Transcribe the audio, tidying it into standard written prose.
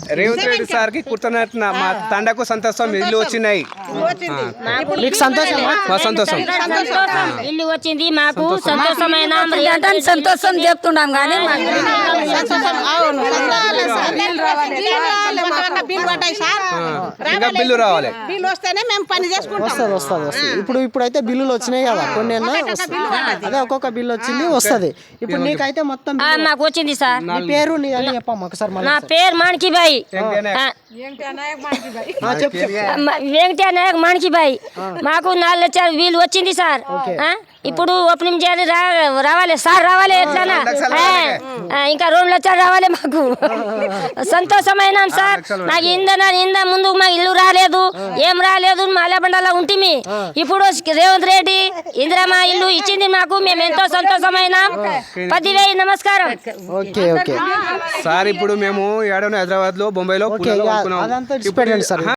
Revanth Reddy sir కి కృతజ్ఞత. మా తండకు సంతోషం, ఇల్లు వచ్చినాయి. మీకు సంతోషమా? మా సంతోషం, ఇల్లు వచ్చింది మాకు సంతోషమైన సంతోషం చెప్తున్నాం కానీ ఇంకా బిల్లు రావాలి. వస్తుంది. ఇప్పుడైతే బిల్లులు వచ్చినాయి కదా, కొన్ని అదే ఒక్కొక్క బిల్లు వచ్చింది వస్తుంది. ఇప్పుడు నీకైతే మొత్తం మాకు వచ్చింది సార్. నీ పేరు నీ అని చెప్పమ్మా ఒకసారి. నా పేరు మాణికిబాయి, వెంకటయ్య నాయక్ మాణికిబాయి. మాకు 4 లక్షల బిల్లు వచ్చింది సార్. ఇప్పుడు ఓపెనింగ్ చేయాలి, రావాలి సార్, రావాలి. ఎట్లా ఇంకా 2 లక్షలు రావాలి. మాకు సంతోషమైన సార్. నాకు ఇంద ముందు మా ఇల్లు రాలేదు, ఏం రాలేదు, మాలబండలో ఉంటుంది. ఇప్పుడు రేవంత్ రెడ్డి ఇందిరమ్మ ఇల్లు ఇచ్చింది మాకు. మేము ఎంతో సంతోషమైన 10,000 నమస్కారం. Okay okay sir. ఇప్పుడు మేము హైదరాబాద్ లో, బొంబాయిలో అదంతా